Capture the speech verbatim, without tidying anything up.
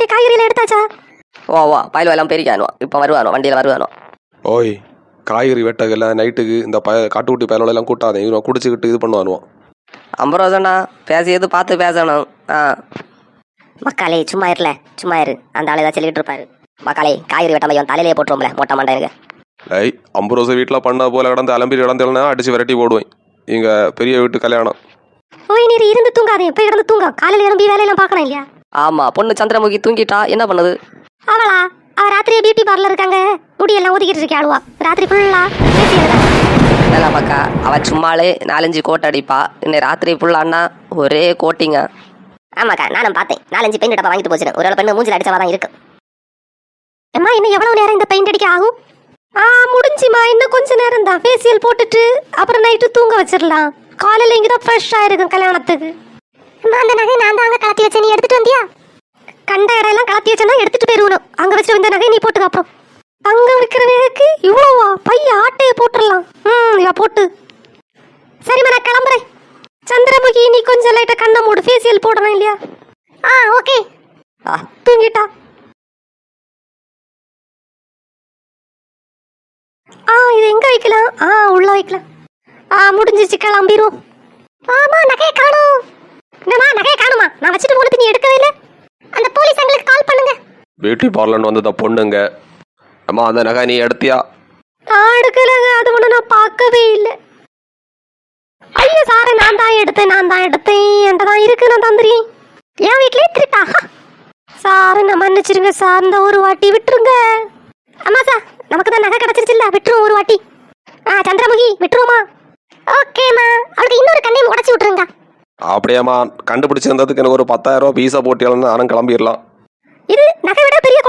காய்கறியில எடுத்தாச்சா? ஓ வா பயில் எல்லாம் பெருக்கானோ, இப்போ வருவானோ, வண்டியில் வருவானோ. ஓய் காய்கறி வெட்டகல நைட்டுக்கு இந்த பய காட்டுக்குட்டி பயலோட எல்லாம் கூட்டாதே, இவன் குடிச்சுக்கிட்டு இது பண்ணுவானுவான். ஐம்பது ரூபா சொன்னா பேசியது பார்த்து பேசணும். ஆ மக்காலே சும்மா இருல, சும்மா இரு. அந்த ஆளு ஏதாவது சொல்லிட்டு இருப்பாரு. மக்காலே காய்கறி வெட்டாம தலையிலே போட்டுருவோம்ல மொட்டை மண்டையில. ஐய் ஐம்பது ரோசை வீட்டில் பண்ண போல கிடந்து அலம்பி கிடந்தேன்னா அடிச்சு விரட்டி போடுவேன். இங்கே பெரிய வீட்டு கல்யாணம். ஓய் நீர் இருந்து தூங்காதே, போய் கிடந்து தூங்க. காலையில் எழும்பி வேலையெல்லாம் பார்க்கணும் இல்லையா? ஆமா, பொண்ணு சந்திரமுகி தூங்கிட்டா, என்ன பண்ணுது? அவளா? அவ ராத்திரியே பியூட்டி பார்லர் இருக்காங்க, முடியெல்லாம் ஒதுக்கிட்டு இருக்கே ஆளுவா. ராத்திரி ஃபுல்லா நல்லா பக்கா, அவ சும்மாலே நாலஞ்சு கோட் அடிப்பா. இன்னை ராத்திரி ஃபுல்லான்னா ஒரே கோட்டிங்க. ஆமாக்கா, நானும் பார்த்தேன். நாலஞ்சு பெயிண்ட் டப்பா வாங்கிட்டு போச்சு. ஒரு பெண்ணு மூஞ்சில் அடிச்சவா தான் இருக்கு. அம்மா இன்னும் எவ்வளவு நேரம் இந்த பெயிண்ட் அடிக்க ஆகும்? ஆ முடிஞ்சுமா, இன்னும் கொஞ்ச நேரம் தான். ஃபேஷியல் போட்டுட்டு அப்புறம் நைட்டு தூங்க வச்சிடலாம். காலையில் இங்கே தான் ஃப்ரெஷ்ஷாக இருக்கும் கல்யாணத்துக்கு. அம்மா அந்த நகை நான் தான் அங்கே கலத்தி வச்சேன், நீ எடுத்துட்டு வந்தியா? கண்ட இடையெல்லாம் கலத்தி வச்சேன்னா எடுத்துட்டு போயிருவணும். அங்கே வச்சுட்டு வந்த நகை நீ போட்டுக்க. அப்புறம் அங்கே விற்கிற நகைக்கு இவ்வளோவா? பைய ஆட்டையை போட்டுடலாம். ம் இவ போட்டு. சரிம்மா நான் கிளம்புறேன். சந்திரமுகி நீ கொஞ்சம் லைட்டாக கண்ணை மூடு, ஃபேஷியல் போடணும் இல்லையா? ஆ ஓகே. ஆ தூங்கிட்டா? ஆ இது எங்க வைக்கலாம்? ஆ உள்ள வைக்கலாம். ஆ முடிஞ்சிச்சு, கிளம்பிடுவோம். ஆமா நகையை காணோம். என்னம்மா நகையை காணுமா? நான் வச்சுட்டு போனது நீ எடுக்கவே இல்லை. அந்த போலீஸ் எங்களுக்கு கால் பண்ணுங்க. பியூட்டி பார்லர்னு வந்தத பொண்ணுங்க. அம்மா அந்த நகை நீ எடுத்தியா? நான் எடுக்கலங்க, அது ஒன்று நான் பார்க்கவே இல்லை. ஐயோ சாரை நான் தான் எடுத்தேன், நான் தான் எடுத்தேன். என்கிட்ட தான் இருக்கு, நான் தந்துறேன். என் வீட்லயே திருட்டா? சார் நான் மன்னிச்சிருங்க சார், இந்த ஒரு வாட்டி விட்டுருங்க. அம்மா சார் நமக்கு தான் நகை கிடைச்சிருச்சுல்ல, விட்டுருவோம் ஒரு வாட்டி. ஆ சந்திரமுகி விட்டுருவோமா? ஓகேம்மா. அவளுக்கு இன்னொரு கண்ணையும் உடச்சி விட்டுருங்க. அப்படியேம்மா, கண்டுபிடிச்சிருந்ததுக்கு எனக்கு ஒரு பத்தாயிரம் ரூபா பீஸா போட்டியாலும் நானும் கிளம்பிடலாம். இது நகை விட பெரிய